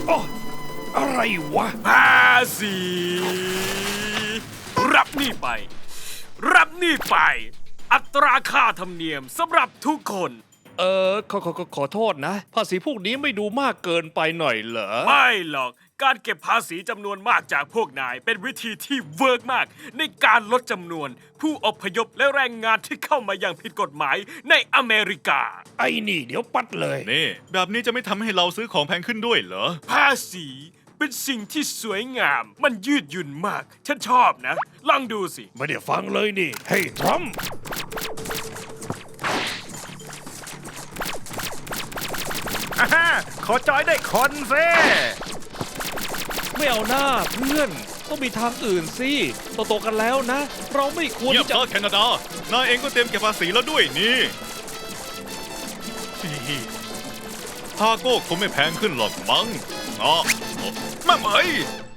อ้อะไรวะภาษีรับหนี่ไป รับหนี่ไป อัตราค่าธรรมเนียมสำหรับทุกคนขอโทษนะ ภาษีพวกนี้ไม่ดูมากเกินไปหน่อยเหรอไม่หรอกการเก็บภาษีจำนวนมากจากพวกนาย เป็นวิธีที่เวิร์กมาก ในการลดจำนวน ผู้อพยพและแรงงานที่เข้ามาอย่างผิดกฎหมายในอเมริกาไอ้นี่เดี๋ยวปัดเลยนี่แบบนี้จะไม่ทำให้เราซื้อของแพงขึ้นด้วยเหรอภาษีเป็นสิ่งที่สวยงาม มันยืดหยุ่นมาก ฉันชอบนะ ลองดูสิไม่ได้ฟังเลยนี่ เฮ้ยทรัมป์ขอจอยได้คนเซ่ไม่เอาหน้าเพื่อน ต้องมีทางอื่นสิโตๆกันแล้วนะ เราไม่ควรเงียบที่จะเถอะแคนาดา นายเองก็เตรียมเก็บภาษีแล้วด้วยนี่ทาโก้คงไม่แพงขึ้นหรอกมั้งอ๋อแม่เหมย